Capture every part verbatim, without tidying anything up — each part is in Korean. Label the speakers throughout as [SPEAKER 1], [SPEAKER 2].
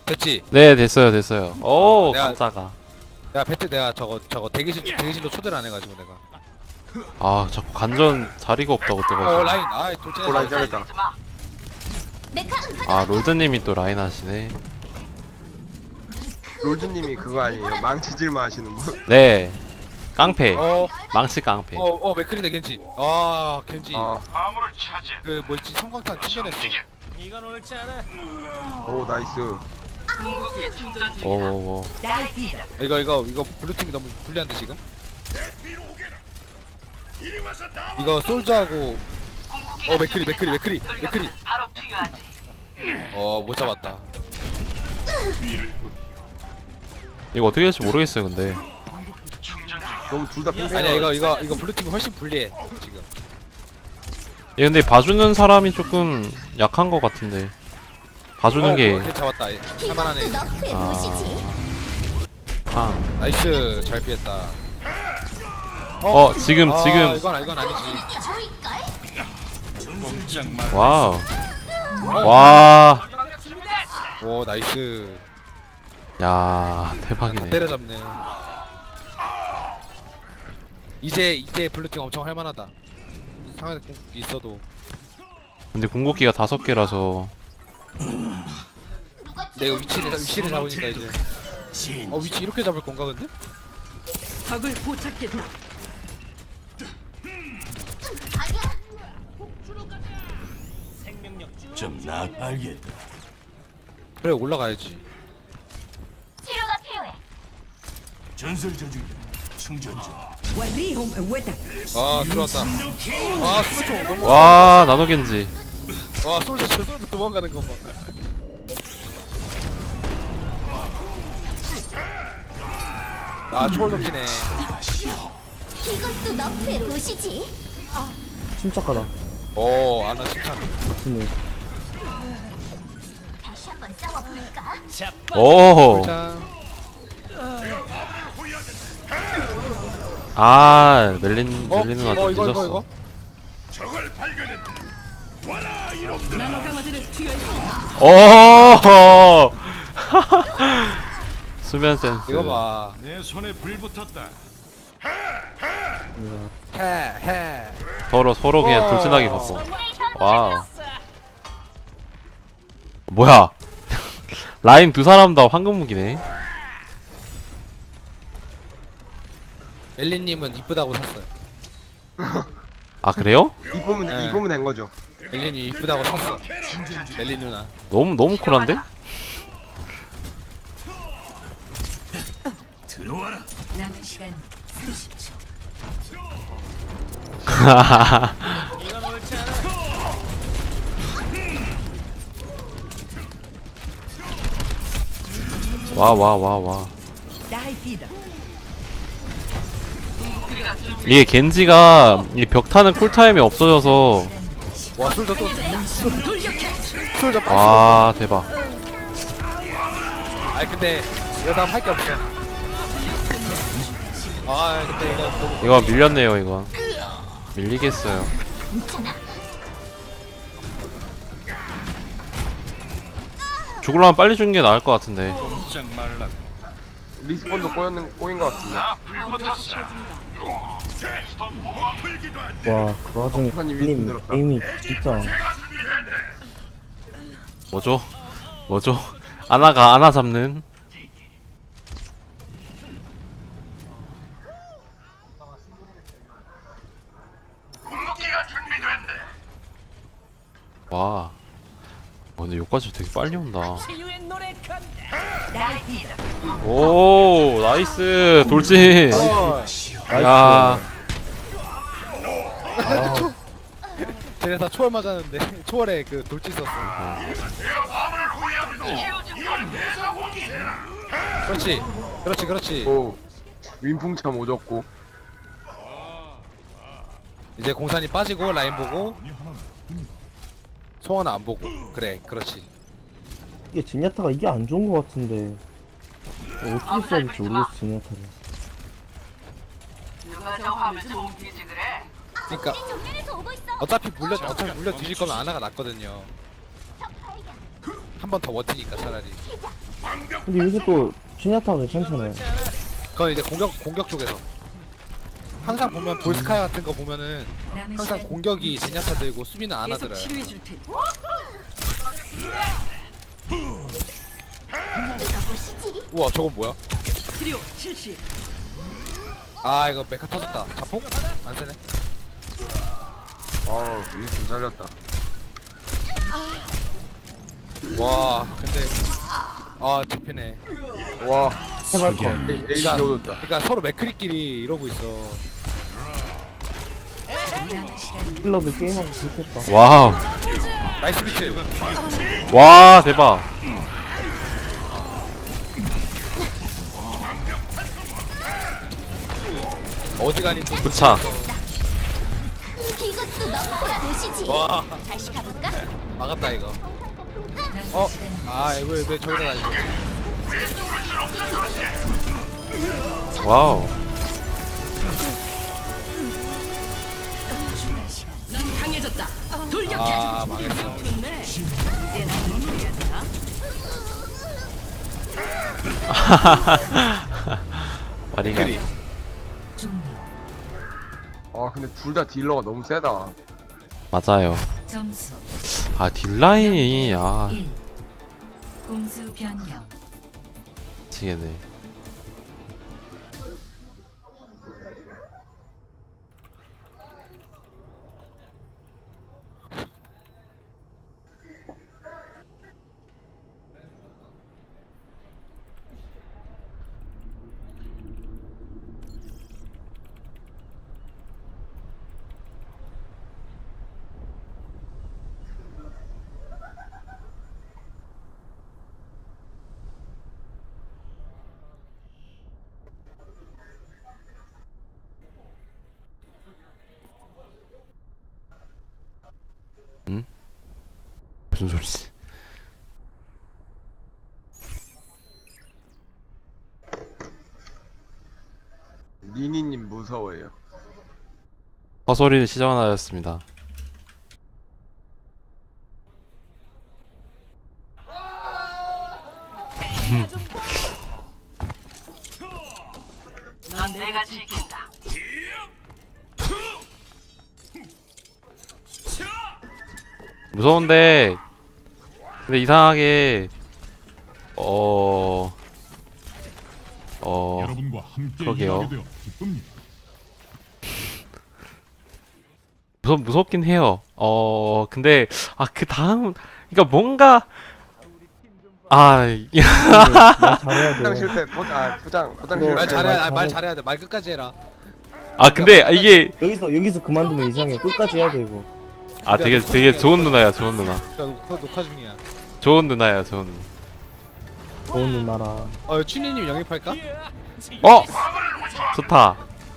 [SPEAKER 1] 됐지?
[SPEAKER 2] 네 됐어요 됐어요. 오
[SPEAKER 1] 내가-
[SPEAKER 2] 깜짝아.
[SPEAKER 1] 내가 배트 내가 저거 저거 대기실 대기실로 초대를 안 해가지고 내가.
[SPEAKER 2] 아 자꾸 간전 자리가 없다고
[SPEAKER 1] 어
[SPEAKER 2] 뜨가지고.
[SPEAKER 1] 라인 아이 돌진해.
[SPEAKER 3] 오 라인 잘했다.
[SPEAKER 2] 아 롤드님이 또 라인 하시네.
[SPEAKER 3] 롤즈님이 그거 아니에요? 망치질만 하시는 분?
[SPEAKER 2] 네 깡패
[SPEAKER 1] 어어어
[SPEAKER 2] 망치 깡패.
[SPEAKER 1] 어, 맥크리네 겐지. 아 겐지.
[SPEAKER 3] 아,
[SPEAKER 1] 그 뭐지 성광탄 튕겨냈어.
[SPEAKER 3] 오 나이스.
[SPEAKER 2] 오오오.
[SPEAKER 1] 이거 이거 이거 블루팀이 너무 불리한데 지금? 이거 솔저하고 어 맥크리 맥크리 맥크리 맥크리 어 못 잡았다.
[SPEAKER 2] 이거 어떻게 될지 모르겠어요 근데.
[SPEAKER 3] 너무 둘 다 팽팽해.
[SPEAKER 1] 아니야 이거 이거 이거 블루팀이 훨씬 불리해 지금.
[SPEAKER 2] 얘 근데 봐주는 사람이 조금 약한 것 같은데. 봐주는
[SPEAKER 1] 어,
[SPEAKER 2] 게.
[SPEAKER 1] 어, 걔 잡았다. 할만하네.
[SPEAKER 2] 아. 팡.
[SPEAKER 1] 나이스 잘 피했다.
[SPEAKER 2] 어 지금
[SPEAKER 1] 아,
[SPEAKER 2] 지금.
[SPEAKER 1] 이건 이건 아니지.
[SPEAKER 2] 와우. 와.
[SPEAKER 1] 오 나이스.
[SPEAKER 2] 야
[SPEAKER 1] 다
[SPEAKER 2] 대박이네.
[SPEAKER 1] 때려잡네. 이제 이제 블루팀 엄청 할만하다. 상황에 있어도.
[SPEAKER 2] 근데 궁극기가 다섯 개라서.
[SPEAKER 1] 내가 위치를 위치를 잡으니까 이제. 어 위치 이렇게 잡을 건가 근데?
[SPEAKER 4] 적을 포착했다.
[SPEAKER 5] 좀 나알겠다.
[SPEAKER 1] 그래 올라가야지.
[SPEAKER 5] 전설 저주기 충전 중.
[SPEAKER 4] وريهم قوتك.
[SPEAKER 1] 아 들어왔다. 아 수면 너무.
[SPEAKER 2] 와 나노겐지.
[SPEAKER 1] 와 솔저 저 솔저 도망가는 거 봐. 아 초월 덮치네.
[SPEAKER 6] 이것도 너프의 도시지.
[SPEAKER 7] 침착하다.
[SPEAKER 1] 오 아나 칭찬.
[SPEAKER 7] 네.
[SPEAKER 6] 다시 한번 싸워볼까?
[SPEAKER 2] 오.
[SPEAKER 1] 짠.
[SPEAKER 2] 아 멜린
[SPEAKER 1] 어?
[SPEAKER 2] 멜린 누나
[SPEAKER 1] 어
[SPEAKER 2] 좀
[SPEAKER 1] 이거 이거
[SPEAKER 2] 늦었어.
[SPEAKER 1] 이거.
[SPEAKER 4] 나노 강화제를 투여해.
[SPEAKER 2] 오. 수면 센스.
[SPEAKER 1] 이거 봐.
[SPEAKER 5] 내 손에 불 붙었다.
[SPEAKER 1] 해 해.
[SPEAKER 2] 서로 서로 그냥
[SPEAKER 1] 와.
[SPEAKER 2] 돌진하게 갔어. 와우. 뭐야? 라인 두 사람 다 황금 무기네.
[SPEAKER 1] 엘리님은 이쁘다고 샀어요.
[SPEAKER 2] 아 그래요?
[SPEAKER 3] 이쁘면
[SPEAKER 1] 네.
[SPEAKER 3] 이쁘면 된 거죠.
[SPEAKER 1] 엘리님 이쁘다고 샀어. 엘리 누나.
[SPEAKER 2] 너무 너무 쿨한데?
[SPEAKER 5] 들어와라.
[SPEAKER 4] 남은 시간 삼십 초.
[SPEAKER 2] 와 와 와 와.
[SPEAKER 4] 다이피다.
[SPEAKER 2] 이게 겐지가 이 벽 타는 쿨타임이 없어져서.
[SPEAKER 1] 와 솔저 또. 솔저 빠.
[SPEAKER 2] 와 대박.
[SPEAKER 1] 아니 근데 이거 다음 할게 없어. 아 근데 이거 너무.
[SPEAKER 2] 이거 밀렸네요 이거. 밀리겠어요. 죽으려면 빨리 죽는 게 나을 것 같은데.
[SPEAKER 5] 꼼짝 말라.
[SPEAKER 3] 리스폰도 꼬였는 꼬인 것 같은데.
[SPEAKER 7] 와, 그 와중에
[SPEAKER 3] 판이
[SPEAKER 7] 님
[SPEAKER 3] 힘들었다.
[SPEAKER 7] 에임이 진짜.
[SPEAKER 2] 뭐죠? 뭐죠? 아나가 아나 잡는. 와. 어, 근데 여기까지 되게 빨리 온다. 오, 나이스 돌진. 야,
[SPEAKER 1] 쟤네 다 초월 맞았는데 초월에 그 돌진 썼어. 그렇지, 그렇지, 그렇지.
[SPEAKER 3] 오 윈풍참 오졌고.
[SPEAKER 1] 이제 공산이 빠지고 라인 보고 송하나 안 보고. 그래, 그렇지.
[SPEAKER 7] 이게 제니아타가 이게 안 좋은 것 같은데. 어떻게 써야 될지 모르겠어, 제니아타를.
[SPEAKER 1] 그러니까
[SPEAKER 6] 정면에서 오고 있어.
[SPEAKER 1] 어차피 물려 어차피 물려 뒤질 거면 아나가 낫거든요. 한 번 더 버티니까 차라리.
[SPEAKER 7] 근데 요새 또 진야타가 괜찮잖아요.
[SPEAKER 1] 그건 이제 공격 공격 쪽에서 항상 보면 볼스카야 같은 거 보면은
[SPEAKER 4] 남은
[SPEAKER 1] 항상
[SPEAKER 4] 시간
[SPEAKER 1] 공격이 진야타 들고 수비는 안
[SPEAKER 4] 계속
[SPEAKER 1] 하더라.
[SPEAKER 4] 치료해 줄 테니.
[SPEAKER 6] 보시지.
[SPEAKER 1] 우와 저건 뭐야?
[SPEAKER 4] 치료 실시.
[SPEAKER 1] 아 이거 메카 터졌다. 자폭? 안 쓰네.
[SPEAKER 3] 아우 윈스턴 잘렸다.
[SPEAKER 1] 와 근데 아 잡히네.
[SPEAKER 3] 와
[SPEAKER 7] 해발 거.
[SPEAKER 3] 에이 에이 넣어줬다.
[SPEAKER 1] 그러니까 서로 맥크리끼리 이러고 있어.
[SPEAKER 4] 남은 시간
[SPEAKER 7] 힐러들 게임하고 좋겠다.
[SPEAKER 2] 와우.
[SPEAKER 1] 나이스 비트.
[SPEAKER 2] 와 대박.
[SPEAKER 1] 어지간히 또
[SPEAKER 2] 부차.
[SPEAKER 6] 이것도 넣고 보시지.
[SPEAKER 1] 와
[SPEAKER 6] 다시 가볼까?
[SPEAKER 1] 막았다 이거.
[SPEAKER 4] 남은
[SPEAKER 1] 어?
[SPEAKER 4] 시간
[SPEAKER 1] 아 왜 왜 저기다 놔있어?
[SPEAKER 2] 와우.
[SPEAKER 4] 넌 강해졌다. 돌격.
[SPEAKER 1] 아 망했어.
[SPEAKER 4] 좋네. 이제 나는 모르겠다.
[SPEAKER 2] 마리가.
[SPEAKER 1] 맥크리.
[SPEAKER 3] 아 근데 둘 다 딜러가 너무 세다.
[SPEAKER 2] 맞아요.
[SPEAKER 4] 점수
[SPEAKER 2] 아 딜라인이 아
[SPEAKER 4] 일. 공수 변경.
[SPEAKER 2] 미치겠네. 무슨 소리지?
[SPEAKER 3] 니니님 무서워요.
[SPEAKER 2] 헛소리를 시전하였습니다.
[SPEAKER 4] 넌 내가 지킨다.
[SPEAKER 2] 무서운데 근데 이상하게 어... 어...
[SPEAKER 5] 여러분과 함께
[SPEAKER 2] 그러게요.
[SPEAKER 5] 일하게 되어 기쁩니다.
[SPEAKER 2] 무섭, 무섭긴 해요. 어... 근데 아 그 다음 그니까 뭔가 아... 이-
[SPEAKER 7] 말 잘해야
[SPEAKER 3] 포장
[SPEAKER 7] 돼.
[SPEAKER 3] 실패 포장 포장 포장
[SPEAKER 7] 네.
[SPEAKER 1] 말
[SPEAKER 3] 실패.
[SPEAKER 1] 잘해야
[SPEAKER 7] 말
[SPEAKER 1] 말
[SPEAKER 7] 잘해.
[SPEAKER 1] 잘해야 돼. 말 끝까지 해라.
[SPEAKER 2] 아 근데 이게
[SPEAKER 7] 여기서 여기서 그만두면 이상해. 끝까지 해야 돼 이거.
[SPEAKER 2] 아 되게 되게 좋은 누나야 좋은 누나
[SPEAKER 1] 그러니까 녹화, 녹화 중이야.
[SPEAKER 2] 좋은 누나야 좋은 누나.
[SPEAKER 7] 좋은 누나라.
[SPEAKER 1] 어 춘희님 영입할까?
[SPEAKER 2] 어! 좋다.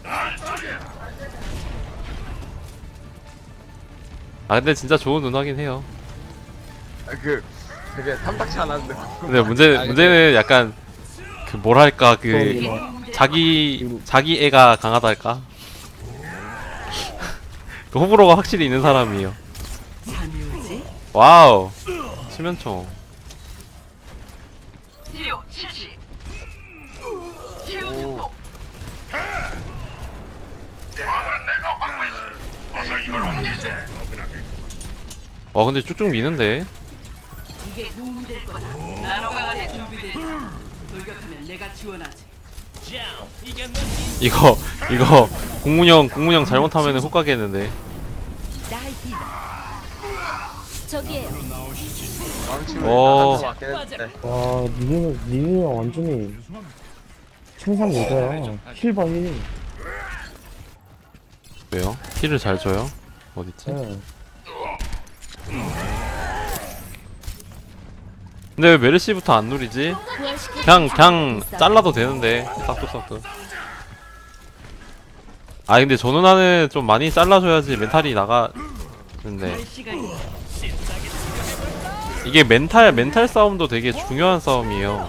[SPEAKER 2] 아 근데 진짜 좋은 누나긴 해요.
[SPEAKER 3] 아, 그 되게 탐탁치 않았는데.
[SPEAKER 2] 근데 문제 문제는 약간 그 뭐랄까
[SPEAKER 7] 좋은
[SPEAKER 2] 그
[SPEAKER 7] 누나.
[SPEAKER 2] 자기 자기 애가 강하달까? 그 호불호가 확실히 있는 사람이에요.
[SPEAKER 4] 잠이 오지?
[SPEAKER 2] 와우. 치면총.
[SPEAKER 4] 치료 실시.
[SPEAKER 3] 오.
[SPEAKER 2] 와 근데 쭉쭉 미는데.
[SPEAKER 4] 이게 도움이 될 거다. 나노 강화제 준비됐다. 돌격하면 내가 지원하지.
[SPEAKER 2] 이거 이거 공문형 공문형 잘못하면 훅 가겠는데.
[SPEAKER 4] 나이디다.
[SPEAKER 6] 저기에요.
[SPEAKER 3] 망치면
[SPEAKER 2] 어.
[SPEAKER 3] 나갈 것 같긴 했는데.
[SPEAKER 7] 와 니네 니네가 완전히 천상 여자야. 힐봐 힐.
[SPEAKER 2] 왜요? 힐을 잘 줘요? 어딨지?
[SPEAKER 7] 네.
[SPEAKER 2] 근데 왜 메르시부터 안 누리지? 그냥 그냥 잘라도 되는데 싹둑싹둑. 아 근데 저 누나는 좀 많이 잘라줘야지 멘탈이 나가는데
[SPEAKER 4] 시간이
[SPEAKER 2] 이게 멘탈 멘탈 싸움도 되게 중요한 싸움이에요.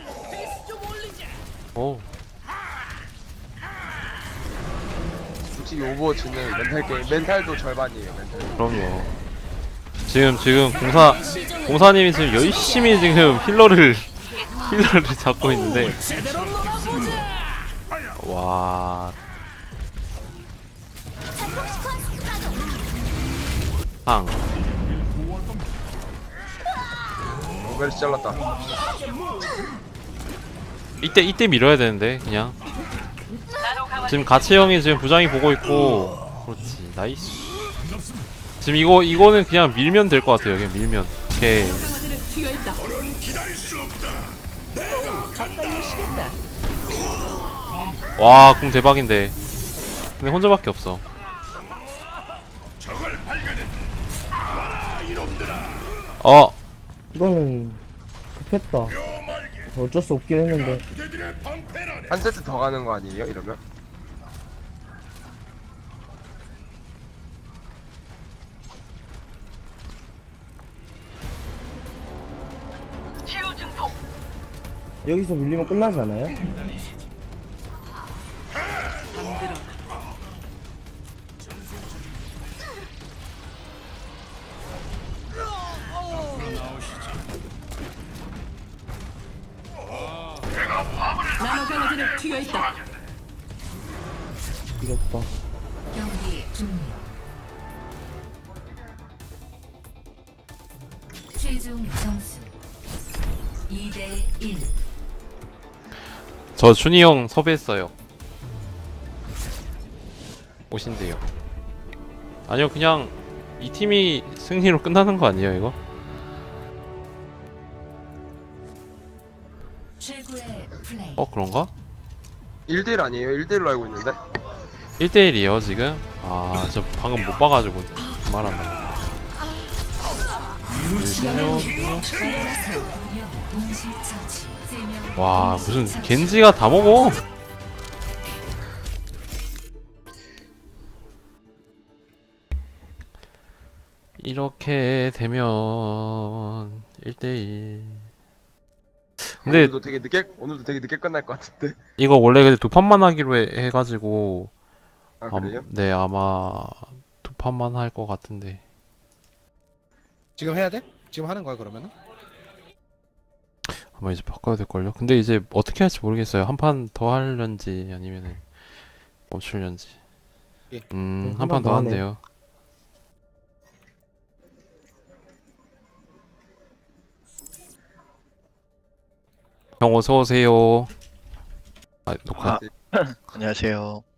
[SPEAKER 2] 오
[SPEAKER 3] 굳이 솔직히 오버워치는 멘탈 게임, 멘탈도 절반이에요. 멘탈.
[SPEAKER 2] 그럼요. 지금 지금 공사 공사님이 지금 열심히 지금 힐러를 힐러를 잡고 있는데 와. 팡.
[SPEAKER 3] 오베르시 잘랐다.
[SPEAKER 2] 이때 이때 밀어야 되는데 그냥. 지금 가치 형이 지금 부장이 보고 있고. 그렇지. 나이스. 지금 이거 이거는 그냥 밀면 될 것 같아요. 그냥 밀면. 오케이.
[SPEAKER 4] 강화제는 튀어 있다. 가까이 오시겠다.
[SPEAKER 2] 와, 궁 대박인데. 근데 혼자밖에 없어. 어,
[SPEAKER 7] 이거는 급했다. 어쩔 수 없긴 했는데.
[SPEAKER 3] 한 세트 더 가는 거 아니에요? 이러면?
[SPEAKER 7] 여기서 밀리면 끝나지 않아요?
[SPEAKER 4] 잠들어. 나노 강화제는 튀어 있다.
[SPEAKER 7] 이겼다.
[SPEAKER 6] 경기 종료. 최종 점수 이 대 일.
[SPEAKER 2] 저 준이 형 섭외했어요. 오신대요. 아니요, 그냥 이 팀이 승리로 끝나는 거 아니에요, 이거?
[SPEAKER 6] 최고의 플레이.
[SPEAKER 2] 어, 그런가?
[SPEAKER 3] 일 대 일 아니에요? 일 대 일로 알고 있는데?
[SPEAKER 2] 일 대 일이에요, 지금? 아, 저 방금 못 봐가지고 말한다.
[SPEAKER 6] 동시 처치. 세 명.
[SPEAKER 2] 와, 무슨 겐지가 다 먹어? 이렇게 되면 일 대 일. 근데
[SPEAKER 3] 오늘도 되게 늦게 오늘도 되게 늦게 끝날 것 같은데.
[SPEAKER 2] 이거 원래 근데 두 판만 하기로 해, 해가지고
[SPEAKER 3] 아
[SPEAKER 2] 암-
[SPEAKER 3] 그래요?
[SPEAKER 2] 네, 아마 두 판만 할 것 같은데.
[SPEAKER 1] 지금 해야 돼? 지금 하는 거야 그러면은?
[SPEAKER 2] 아마 이제 바꿔야 될걸요? 근데 이제 어떻게 할지 모르겠어요. 한 판 더 하려는지 아니면은 멈추려는지.
[SPEAKER 1] 예.
[SPEAKER 2] 음,
[SPEAKER 7] 네,
[SPEAKER 2] 한 판 더
[SPEAKER 7] 하네.
[SPEAKER 2] 한대요. 형 어서 오세요. 아, 녹화.
[SPEAKER 3] 아,
[SPEAKER 8] 안녕하세요.